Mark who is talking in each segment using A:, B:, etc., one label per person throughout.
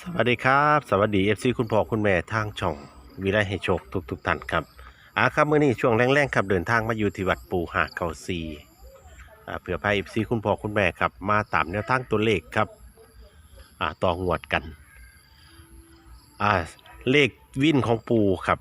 A: สวัสดีครับสวัสดีเอฟซีคุณพ่อคุณแม่ทางช่องวิไลให้โชคทุกท่านครับครับมื้อนี้ช่วงแรงๆครับเดินทางมาอยู่ที่วัดปู่หาเก่าซีเพื่อพาเอฟซีคุณพ่อคุณแม่ครับมาตามแนวทางตัวเลขครับต่องวดกันอ่าเลขวินของปู่ครับ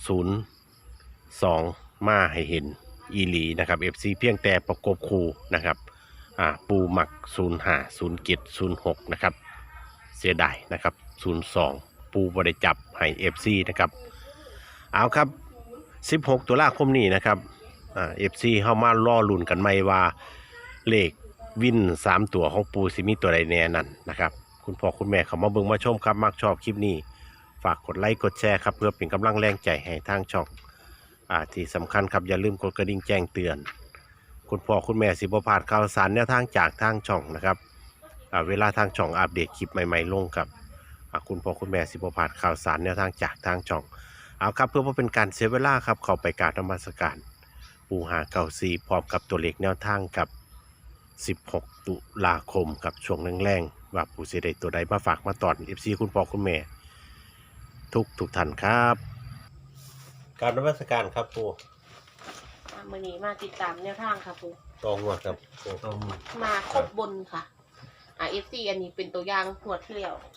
A: 02มาให้เห็นอีหลีนะครับเอฟซีเพียงแต่ประกบคู่นะครับปูหมัก05 07 06นะครับเสียดายนะครับ02ปูบริจับให้ FC นะครับเอาครับ16ตุลาคมนี้นะครับFC เข้ามาล่อลุ่นกันไหมว่าเลขวิน3ตัวของปูสิมีตัวใดแน่นั่นนะครับคุณพ่อคุณแม่เขามาเบิ่งมาชมครับมักชอบคลิปนี้ฝากกดไลค์กดแชร์ครับเพื่อเป็นกำลังแรงใจให้ทางช่องที่สำคัญครับอย่าลืมกดกระดิ่งแจ้งเตือนคุณพ่อคุณแม่สิบ่พลาดข่าวสารแนวทางจากทางช่องนะครับเวลาทางช่องอัปเดตคลิปใหม่ๆลงครับคุณพ่อคุณแม่สิบ่พลาดข่าวสารแนวทางจากทางช่องเอาครับเพื่อว่าเป็นการเสียเวลาครับเข้าไปกราบนมัสการปู่หาเก่าซีพร้อมกับตัวเลขแนวทางกับ16ตุลาคมกับช่วงแรงๆว่าปู่สิได้ตัวใดมาฝากมาตอน FC คุณพ่อคุณแม่ทุกท่านครับกราบนมัสการครับปู่
B: มื้อนี้มาติดตามแนวทางค่ะปู
A: ตองวดครับปู่
C: ตรง
B: มาครบบนค่ะFC อันนี้เป็นตัวอย่างงวดที่แล้ว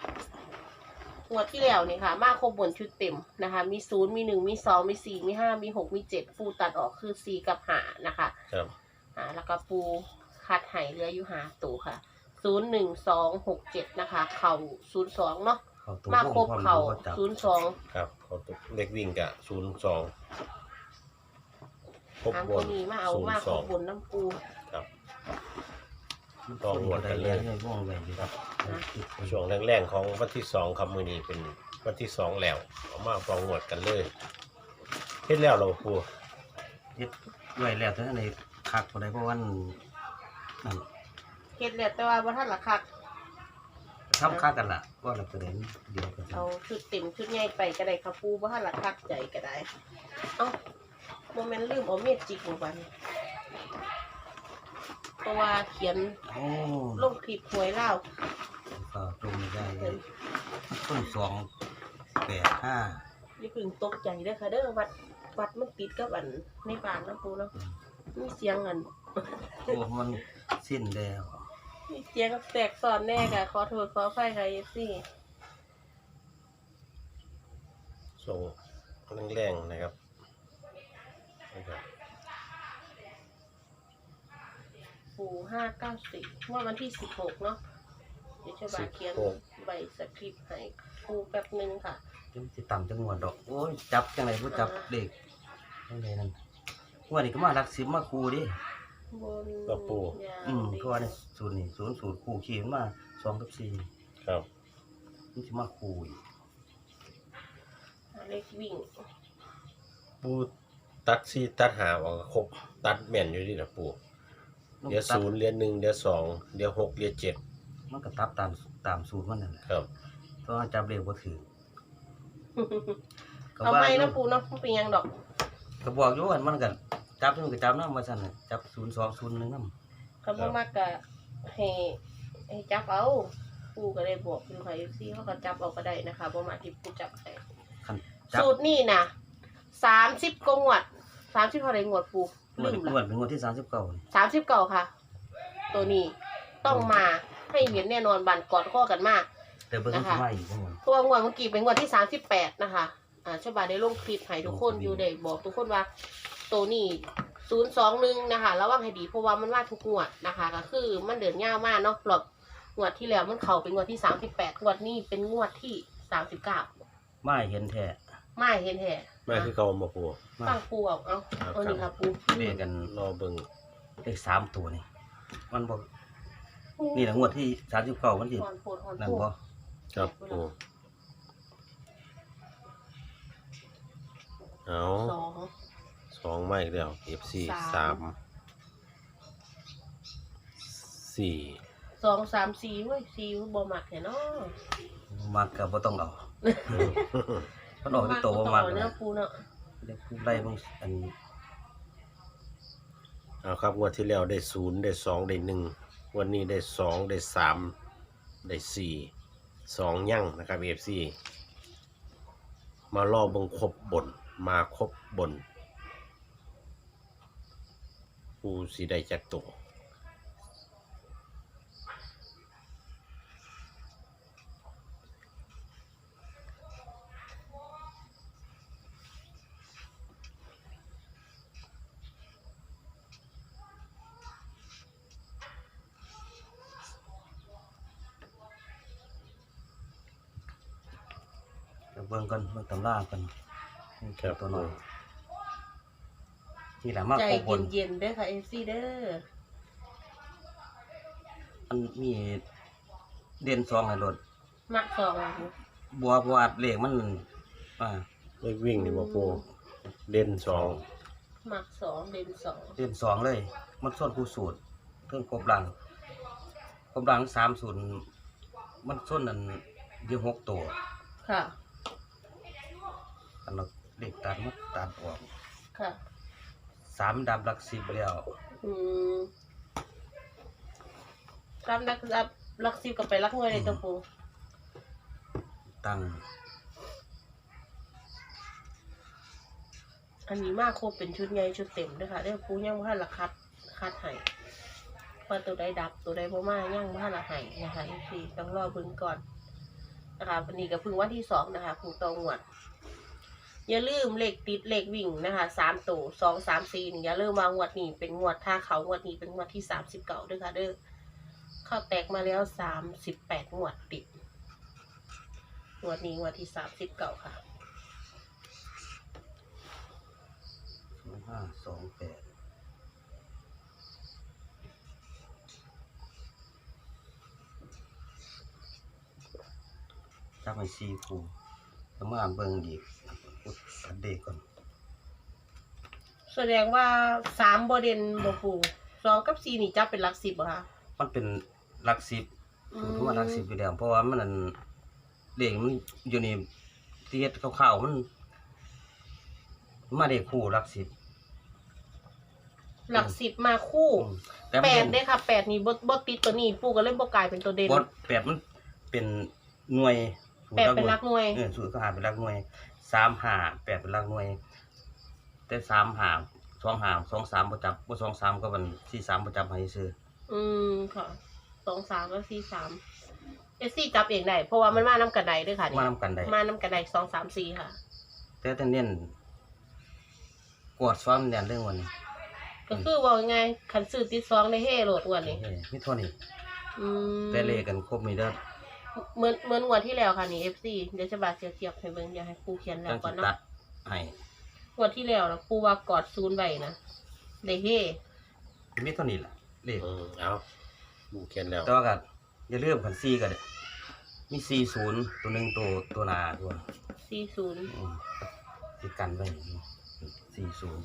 B: นี่ค่ะมาครบบนชุดเต็มนะคะมี0มี1มี2มี4มี5มี6มี7ปูตัดออกคือ4กับ5นะคะ
A: ครับ
B: แล้วก็ปูคัดให้เหลืออยู่5ตัวค่ะ0 1 2 6 7นะคะเข่า02เนาะมาครบเข่า02
A: ครับเขาเลขวิ่งกับ02ครบบน
B: นี้มาเอามาครบบนน้ำปู
A: ครับตองวดกันเลย
C: ว่องไวดีครับ
A: ช่วงแรงๆของวันที่2ครับมื้อนี้เป็นวันที่2แล้วเอามาตองวดกันเลยเฮ็ดแล้วเราปู่
C: ยึดไว้แล้วทั้งในคักบ่ได้เพราะว่านั่น
B: เฮ็ดแล้วแต่ว่าบ่ทันละคัก
C: ทำคักกันล่ะว่าเราจะได้เดียวกัน
B: เอาชุดเต็มชุดใหญ่ไปก็ได้ค่ะปูบ่ทันละคักใจก็ได้เอ้าบ่แม่นลืมเอาเม็ดจิกลงไปเพราะว่าเขียน
C: โอ้
B: ลงคลิปหวยลาว
C: ก็ตรงได้ต้น285
B: อย่าเพิ่งตกใจเด้อค่ะเด้อวัดมันติดกับอันในบ้านนะปูเนาะมีเสียงอัน
C: โอ้มันสิ้นแล้ว
B: มีเสียงแตกซ้อนแน่ค่ะขอโทษขออภัยค่ะ FC
A: ส่งแรงๆนะครับ
B: ปู594ว่าวันที่16เนาะเดี๋ยวจะบาเขียนใบสคริปต์ให้ปูแป๊บนึงค่ะ
C: จังสิต่ำจังหวดดอกโอ้ยจับจังได๋บ่จับเด็กจังไดนั่นว่านี่ก็มารักสิบมาคูดิ
B: บน
A: ก็ปู่
B: ยาว
C: เพราะว่านี่ศูนย์นี่00คู่ขี่มันมา2กับ4
A: ครับ
C: มันสิมาคูอีก
B: เลขวิ่ง
A: ปู่ตัด4ตัด5ออกครบตัดแม่นอยู่นี่ล่ะปู่เดี๋ยว0เหรียญ1เดี๋ยว2เดี๋ยว6เหรียญ7
C: มันก็ตับตามสูตรมันนั่นแหละ
A: ครับ
C: เพราะว่าจับเลขบ่ถือ
B: เอาไปนะปูเนาะมันเป็นยังดอก
C: ก็บอกอยู่ว่ามันก็จับมันก็จับนำว่าซั่นน่ะจับ0201นำ
B: คำว่ามากกะให้จับเอาปูก็ได้บอกคุณค่ะ FC เขาก็จับเอาก็ได้นะคะบ่มาที่ปูจับให้
C: คันจับ
B: สูตรนี่นะ30กว่างวด30เท่าไหร่งวดปู
C: งว
B: ลื
C: ด
B: มละ
C: เป็นงวดที่39นี่
B: 39ค่ะ ตัวนี้ต้องมาให้เห็นแน่นอนบันกอดข้อกันมาก
C: แต่เบิ่งสิมาอีกจังหวะ
B: เพราะว่างวดเมื่อกี้เป็นงวดที่38นะคะชาวบ้านได้ลงคลิปให้ทุกคนอยู่ได้บอกทุกคนว่าตัวนี้021นะคะระวังให้ดีเพราะว่ามันมาทุกงวดนะคะก็คือมันเดินยาวมากเนาะหลบงวดที่แล้วมันเข้าเป็นงวดที่38งวดนี้เป็นงวดที่39
C: มาเห็นแท้
B: ไม่เห็นแท้
A: มาคือเก่าบ่ปู่
C: มา
B: ตั้งปูเอานี่ค่ะปู
C: เลขกัน
A: รอเบิ่ง
C: เลข3ตัวนี่มันบ่นี่แหละงวดที่39มันสิ
B: หอนโพดหอน
C: นั่น
B: ปู
C: บ่
A: ครับปู่เอา 2มาอีกแล้ว FC 3 4
B: 2 3 4เว้ย4บ่มักแท้เนาะ
C: มักก็บ่ต้องเอามันออกที่โตบ่มัก
B: เนาะ
C: นะ
B: ปูเนาะ
C: เด็กผู้ไล่เบิ่งอัน
A: เอาครับงวดที่แล้วได้0ได้2ได้1วันนี้ได้2ได้3ได้4 2ยั่งนะครับ FC มารอเบิ่งครบบนมาครบบนปูสิได้จักตัว
C: เดี๋ยวเบิ่งกันเบิ่งตำรากันตัวหน่อยนี่แหละมา
B: ใจ
C: ครบบน
B: เย็นๆเด้อค่ะ FC เด้อ
C: มันมีเด่น2ให้รถ
B: มักสอง
C: บัวอัดเลขมัน
A: เลขวิ่งนี่บ่ปูเด่น
B: มักสองเด่นสอง
C: เด่น2เลยมันส่วนคู่สูตรเพิ่งครบหลัง30มันส่วนนั้นอยู่6ตัว
B: ค่ะ
C: อันนั้นเลขตัดมันตัดออก
B: ค่ะ
C: 3ดับหลัก10แล้ว
B: อืมตามรักสิบกับไปรักหน่วยเลยตัวปู
C: ตั้ง
B: อันนี้มากครบเป็นชุดใหญ่ชุดเต็มด้วยค่ะเด้อปูยังบ่ทันละคัดให้ว่าตัวใดดับตัวใดบ่มายังบ่ทันละให้นะคะพี่ต้องรอเบิ่งก่อนนะคะวันนี้ก็เพิ่งวันที่2นะคะเพิ่งตองวดอย่าลืมเลขติดเลขวิ่งนะคะ3ตัว2 3 4นี่อย่าลืมว่างวดนี้เป็นงวดถ้าเขางวดนี้เป็นงวดที่39ด้วยค่ะเด้อเข้าแตกมาแล้ว38งวดติดงวดนี้งวดที่39ค่ะ
C: 528จับให้4คู่แล้วมาเบิ่งอีกตัดเด็กก่อน
B: แสดงว่า3บ่เด่นบ่ปู2กับ4นี่จับเป็นหลัก10บ่คะ
C: มันเป็นหลัก10เพราะว่าหลัก10อยู่แล้วเพราะว่ามันนั่นเลขมันอยู่นี่ที่เฮ็ดคร่าวๆมันมาเลขคู่หลัก10
B: หลัก10มาคู่
C: แต่มัน
B: 8เด้ค่ะ8นี่บ่ติดตัวนี้ปูก็เลยบ่กลายเป็นตัวเด่น
C: 8มันเป็นหน่วย
B: 8เป็นหลักหน่วย
C: สูตรก็หาเป็นหลักหน่วย3 5 8เป็นหลักหน่วยแต่3 5 2 5 2 3บ่จับบ่2 3ก็มัน4 3บ่จับให้ซื้อ
B: ค่ะ2 3กับ4 3เอซี่จับเองได้เพราะว่ามันมานํกันได้เด้อค่ะนี่
C: มานำกันได้
B: มานํกันได้2 3 4ค่ะ
C: แต่เน้นกวดซ้อนเน้นเรื่องวันนี้
B: ก็คือว่าไงคันซื้อติด2ได้เฮ่โหลดงวดนี้
C: มีเท่านี้
B: อืม
C: แต่เลขกันครบมีเด้อ
B: เหมือนงวดที่แล้วค่ะนี่ FC เดี๋ยวจะบาดเทียบให้เบิ่งอย่าให้ปูเขียนแล้
C: จั
B: ว
C: ง
B: ก่อ
C: สิ
B: นเนาะ
C: ตัดให้
B: งวดที่แล้วนะปูว่ากอด0ไว้นะได้เฮ่
C: มีเท่านี้ล่ะเลข
A: เอาปูเขียนแล้ว
C: แต่ว่าก็อย่าลืมกัน4ก็ได้มี40ตัวหนึงตัวหน้าตัว
B: 40
C: สิกันไว้40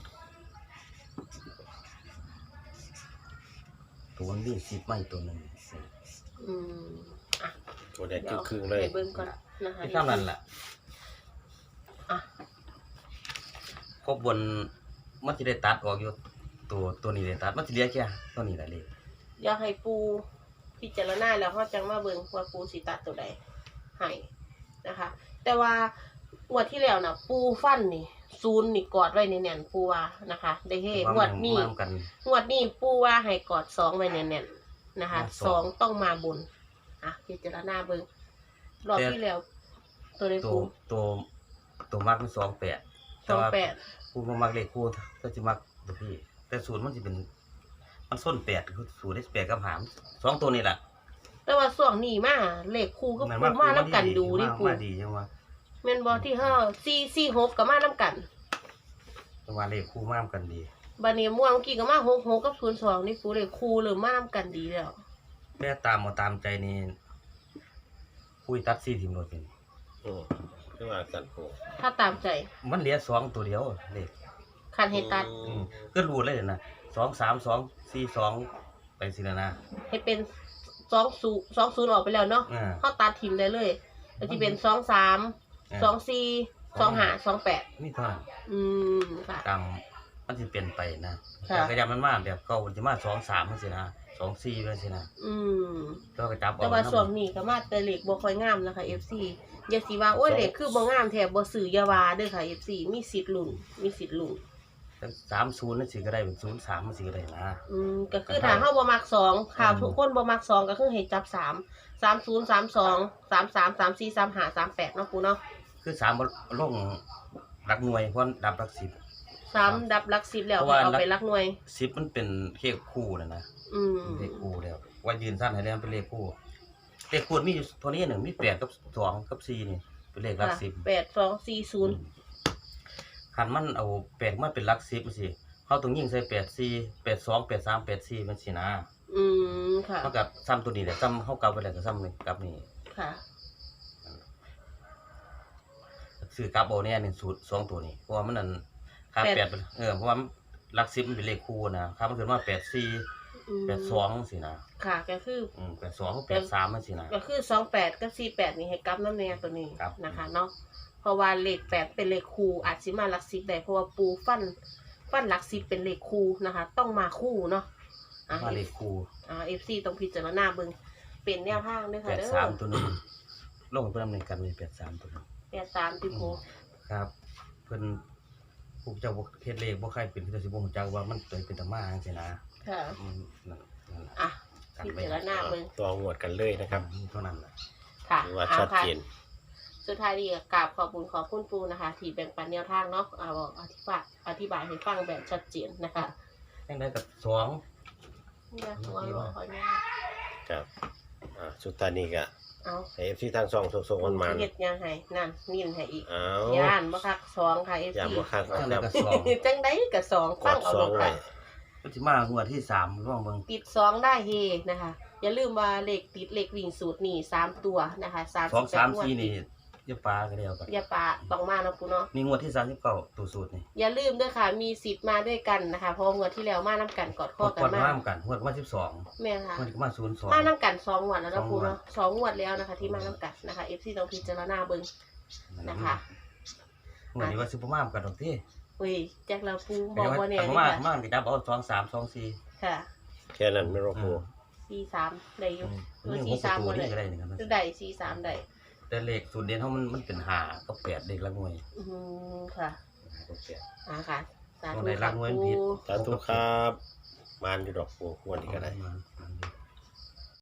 C: ตัวมันมี10ไม่ตัวหนึง
B: อืมอ่ะ
A: ตัวเด็ดครึ่งๆเลย
B: ให้เบิ่งก่อนนะคะ
C: ที่เท่านั้นล่ะ
B: อ่ะ
C: ครบบนมันสิได้ตัดออกอยู่ตัวนี้ได้ตัดมันสิเหลือแค่ตัวนี้แหละเลข
B: อยากให้ปูพิจารณาแล้วเขาจังมาเบิ่งว่าปูสิตัดตัวใดให้นะคะ แต่ว่างวดที่แล้วนะปูฟันนี่0นี่กอดไว้แน่นๆปูว่านะคะ ได้เฮ้งวดนี้
C: มากัน
B: งวดนี้ปูว่าให้กอด2ไว้แน่นๆนะคะ
C: สอง
B: 2ต้องมาบนอ่ะพิจารณาเบิ่งรอบที่แล้ว ตัวใด
C: ตัว
B: ปู
C: ตัวมักมัน28แต่ว่า
B: 28
C: ผู้บ่มักเลขคู่ก็สิมักตัวพี่แต่ศูนย์มันสิเป็นมันส้น8คือศูนย์ได้8กับ5 2ตัวนี่แหละ
B: แต่ว่าช่วงนี้มาเลขคู่ก็ปูมานํกันดูดิปู
C: มาดีจังว่า
B: แม่นบ่ที่446ก็มานํกัน
C: จังว่าเลขคู่มากันดี
B: บัดนี้ม่วงเมื่อกี้ก็มา66กับ02นี่ปูเลขคู่เริ่มมานํกันดีแล้ว
C: แต่ตามบ่ตามใจนี่คุยตัด4ทีมโดดเป็น
A: ขึ้นมาสั่นปู
B: ถ้าตามใจ
C: มันเหลือ2ตัวเดียวเลข
B: คันให้ตัด
C: ก็รู้เลยนะ2 3 2 4 2ไปสิละนะ
B: ให้เป็น20ออกไปแล้วเนาะ เฮาตัดทิมได้เลยก็สิเป็น23 24 25 28
C: มีเท่านั้น
B: ค่ะ
C: ตามมันสิเปลี่ยนไปนะ
B: ค่ะ
C: แต่ก็ยังมันมาแบบเก่ามันสิมา2-3จังซี่นะ2-4จังซี่นะ
B: อืม
C: แล้วก็จับเอา
B: แต่ว่า
C: นำ
B: ช่วงนี้ก็มาแต่เหล็กบ่ค่อยงามนะคะ FC อย่าสิว่าโอ้ยเหล็กคือบ่งามแท้บ่ซื้ออย่าว่าเด้อค่ะ FC มีสิทธิ์ลุ้นมีสิทธิ์ลุ้น
C: 30นั่นสิก็ได้เป็น03มันสิก็ได้นะ
B: ก็คือถ้าเฮาบ่มัก2ค่ะทุกคนบ่มัก2ก็คือให้จับ3 30 32 33 34 35 38เนาะครูเนาะ
C: คือ3บ่ลงหลักหน่วยเพราะดับหลัก
B: 3ดับหลัก10แล้ว
C: เพราะว่า
B: เอาไปหลักหน่วย
C: 10มันเป็นเลขคู่นะ
B: อืม
C: เลขคู่แล้วว่ายืนสั้นให้แล้วเป็นเลขคู่เลขคู่มีอยู่ตัวนี้หนึ่งมี8กับ2กับ4นี่เป็นเลขหลัก
B: ค่ะ
C: 10
B: 8 2 4 0
C: คันมันเอา8มาเป็นหลัก10จังซี่เฮาต้องยิงใส่8 4 8 2 8 3 8 4มันสินะ
B: ค่ะ
C: มันก็ซ้ำตัวนี้แหละซ้ำเฮากลับไปแล้วก็ซ้ำนี่กลับนี่
B: ค่ะ
C: ซื้อกลับเอาเนี่ย1สูตร2ตัวนี้เพราะว่ามันนั่นค่า
B: แปด
C: 8เพราะว่าหลัก10มันเป็นเลขคู่นะค่ามันขึ้นมา8 4 8 2สินะ
B: ค่ะก็คือ
C: 8 2 8 3มันสินะ
B: ก็คือ28กับ48นี่ให้กลับน้ำแน่ตัวนี้
C: ครับ
B: นะคะเนาะเพราะว่าเลข8เป็นเลขคู่อาจสิมาหลัก10ได้เพราะว่าปูฟันหลัก10เป็นเลขคู่นะคะ ต้องมาคู่เนาะอ่ะ
C: มาเลขคู่
B: FC ต้องพิจารณาเบิ่งเป็นแนวทางด้วยค่ะเด้อ
C: 83ตัวนึงลงเพิ่นดำเนินการมี83ตัวนึง
B: 83ที่โพ
C: ครับเพิ่นผู้เจ้าบ่เฮ็ดเลขบ่ใครเป็นเพิ่นสิบ่ฮู้จักว่ามันเป็นตามาจังซี่นะ
B: ค่ะ
C: นั่น
B: อ่ะพิจารณาเบิ่ง
A: ตัวงวดกันเลยนะครับ
C: เท่านั้นแหละ
B: ค่ะ
A: ถือว่า
B: เอา
A: ชัด
B: ค่ะ
A: เจน
B: สุดท้ายดีก็กราบขอบคุณขอบคุณปูนะคะ ที่แบ่งปันแนวทางเนาะอธิบายให้ฟังแบบชัดเจนนะคะ
C: จังได๋ก็2
B: เนี่ยตัวรอคอยแม่
A: ครับสุดท้ายนี้ก็
B: เอา
A: ให้ FC ทางช่องส่งๆมัน
B: เฮ็ดยังให้นั่นนิ่นให้อีก
A: ๆเอา
B: ย่านบ่คัก2ค่ะ FC
A: อย่าบ่คัก
C: จัง
A: นะ
C: ได๋
A: ครับ
C: ก็2
B: จังไดก็2
A: ก
B: ฟัง
A: ด
B: เอา
A: ส
B: ล
A: อง
B: ง
A: ไว้
B: ค่ะ
C: มันสิมางวดที่3ลองเบิ่ง
B: ติด2ได้เฮนะคะ อย่าลืมว่าเลขติดเลขวิ่งสูตรนี่3ตัวนะคะ
C: 2 3
B: งวด
C: 4นี่อย่าปาก็แล้วกัน
B: อย่าปะต้องมาเนาะปูเนาะ
C: นี่งวดที่39ตัวสูตรนี่
B: อย่าลืมด้วยค่ะ มีสิทธิ์มาด้วยกันนะคะ เพราะงวดที่แล้วมาน้ำกันกอดข้อกัน
C: กด
B: มา
C: มาเหมือนกันงวดมา12
B: แม่ค่ะ
C: งวดก็มา
B: มา
C: 02
B: น้ำกัน2งวดแล้วนะปูเนาะ
C: สองงวด
B: 2งวดแล้วนะคะ ที่มาน้ำกันนะคะ FC ต้องพิจารณาเบิ่งนะคะ
C: งวดนี้ว่าสิบ่มาเหมือนกันดอกติ
B: อุ้ยแจ็คเราปูบอกว่าเนี่ย
C: บ่
B: นี่
C: มา
B: ค่ะ
C: มาสิดับเอา2 3 2 4
B: ค่ะ
A: แค่นั้นไม่รบกวน
B: 43ได้อยู่
C: นี่
B: สี่
C: 6
B: สาม
C: ตัว
B: หมดเล
C: นี่
B: ย
C: ก็ได้นี่ครับ
B: ได้43ได้
C: แต่เลขสูตรเด่นเฮามันเป็น5กับ8เลขละหน่วย
B: ค่ะ
C: 5กับ8
B: ค่ะสา
C: ตร
B: ธุ
C: งไหนรั
B: ค่ะ
C: กหน่วย
B: ปู
C: ผิด
A: สาธุครับมานอยู่ดอกปูงวดนี้ก็ได้
C: มัน